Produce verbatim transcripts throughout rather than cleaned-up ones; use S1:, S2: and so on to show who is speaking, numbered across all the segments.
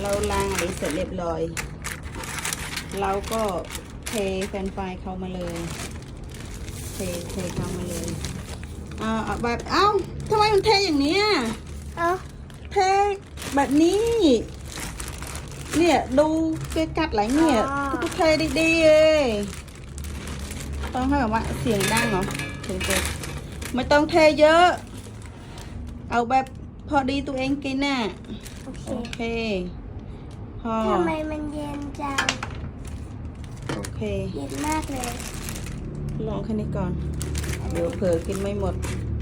S1: เราล้างอะไรเสร็จเรียบร้อยเราก็เทแฟนไฟเข้ามาเลยเทเทเข้ามาเลยอ่าแบบเอ้าทำไมมันเทอย่างนี้เอ้าเทแบบนี้เนี่ยดูเกกัดไหลเนี่ยก็เทดีๆเลยต้องให้แบบว่าเสียงดังเหรอถึงจะไม่ต้องเทเยอะเอาแบบพอดีตัวเองกินน่ะโอเคพอ
S2: ทำไมมันเย็นจัง
S1: โอเค
S2: เย็นมากเลย
S1: ลองแค่นี้ก่อนเดี๋ยวเผลอกินไม่หมด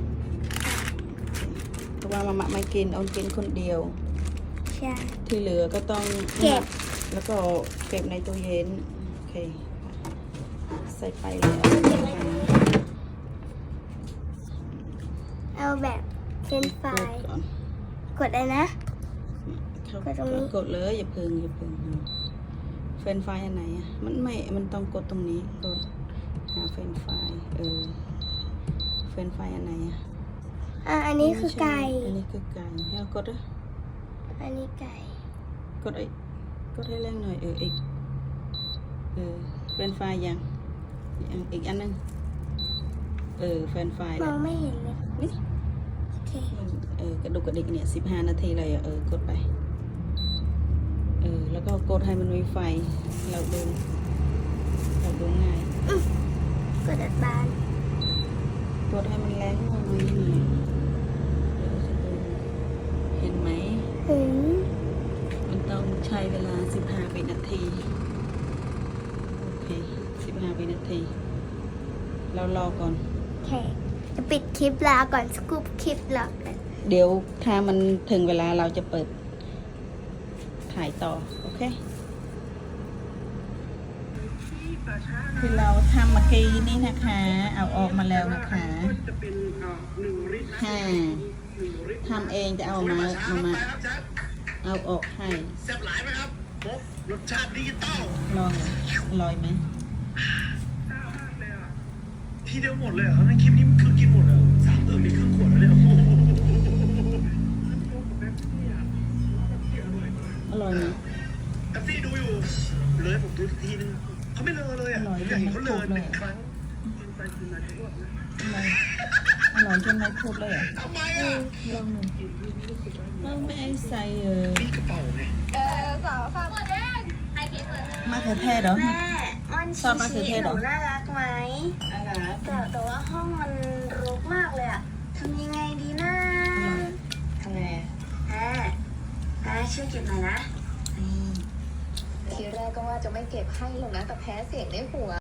S1: เพราะว่ามาม่าไม่กินเอากินคนเดียว
S2: ใช่
S1: ที่เหลือก็ต้อง
S2: เก็บ
S1: แล้วก็เก็บในตู้เย็นโอเคใส่ไปเลย
S2: เอาแบบเฟรนฟรายกดเลยนะ
S1: กดตรงนี้กดเลยอย่าพึ่งอย่าพึ่งเฟรนฟรายอันไหนอ่ะมันไม่มันต้องกดตรงนี้กดหาเฟรนฟรายเออเฟรนฟรายอันไหนอ่ะ
S2: อ่ะอันนี้คือไก่
S1: อันนี้คือไก่ให้เรากดอ่ะ
S2: อันนี้ไก่
S1: กดไอ้กดให้แรงหน่อยเอออีกเออเฟรนฟรายยังอีกอันนึงเออเฟรนฟราย
S2: มองไม่เห็นเลย
S1: นี่
S2: โอเค
S1: เออกระดูกกระดิกเนี่ยสิบห้านาทีเลยเออกดไปเออแล้วก็กดให้มันมีไฟเราดูเราดูง่าย
S2: กดอัดบาน
S1: กดให้มันแรงหน่อยหน่อยเห็นไหม
S2: เห็น
S1: มันต้องใช้เวลาสิบห้าวินาทีโอเคสิบห้าวินาทีเรารอก่อน
S2: โอเคจะปิดคลิปลาก่อนสกูปคลิปลากัน
S1: เดี๋ยวถ้ามันถึงเวลาเราจะเปิดถ่ายต่อโอเคคือเราทำเมื่อกี้นี่นะคะเอาออกมาแล้วนะคะฮ่าทำเองจะเอามาเอามาเอาออกให้
S3: แซ่บหลายไหมครับรสชาติดิจิตอล
S1: ลองอร่อยไหม
S3: ทีเดียวหมดเลยเหรอในคลิปนี้มันคือกินหมดเลยสามเติมมีครึ่งขวดเลย
S1: อร่อยไหม
S3: แท็กซี่ดูอยู่เลยผมดูทีนึงเขาไม่เลอะเลยอ่ะผมอยากเห็นเขาเลอะหนึ่งครั้ง
S1: อร่อยจนไม่พูดเลยอ่ะ
S3: ทำไมอ่ะ
S1: ลองหนึ่งเราไม่ใส่เออ
S3: มีกระเป๋าไง
S2: เออสาวค่ะ
S1: มะเขือเทศเหรอ
S2: แม่มันชีชีหนูน่ารักไหม
S1: น่ารัก
S2: แต่แต่ว่าห้องมันรกมากเลยอะทำยังไงดีนะ
S1: ทำไง
S2: แม่แม่ช่วยเก็บหน่อยนะ
S4: ทีแรกก็ว่าจะไม่เก็บให้หรอกนะแต่แพ้เสียงในหัว